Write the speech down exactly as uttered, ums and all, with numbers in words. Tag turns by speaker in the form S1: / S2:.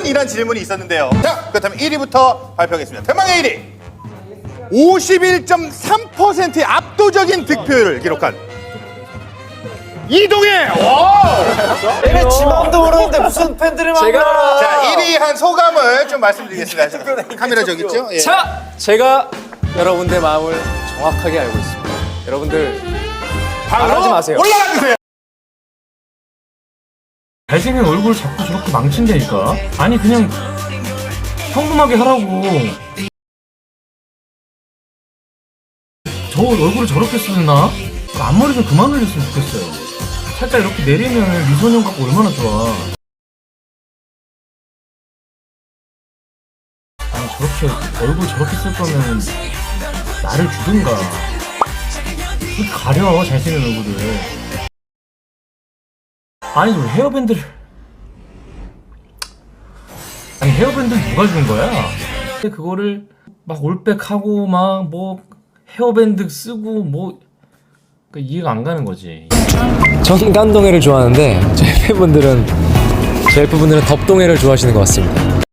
S1: 이란 질문이 있었는데요. 자, 그렇다면 일 위부터 발표하겠습니다. 대망의 일 위. 오십일 점 삼 퍼센트의 압도적인 득표율을 기록한 이동해! 와!
S2: 얘네 지 마음도 모르는데 무슨 팬들을 만나.
S1: 자, 일 위 한 소감을 좀 말씀드리겠습니다. 카메라 저기 있죠? 예.
S2: 자, 제가 여러분들 마음을 정확하게 알고 있습니다. 여러분들 말하지 마세요.
S1: 올라가 주세요.
S3: 잘생긴 얼굴 자꾸 저렇게 망친다니까. 아니 그냥 평범하게 하라고. 저 얼굴을 저렇게 쓰나? 앞머리 좀 그만 올렸으면 좋겠어요. 살짝 이렇게 내리면 미소년 같고 얼마나 좋아. 아니 저렇게 얼굴 저렇게 쓸 거면 나를 주든가. 왜 가려 잘생긴 얼굴을. 아니 왜 헤어밴드를. 아니 헤어밴드 누가 준 거야? 그거를 막 올백하고 막 뭐 헤어밴드 쓰고 뭐 그러니까 이해가 안 가는 거지.
S2: 정감동해를 좋아하는데 제 팬분들은 제 팬분들은 덥동해를 좋아하시는 것 같습니다.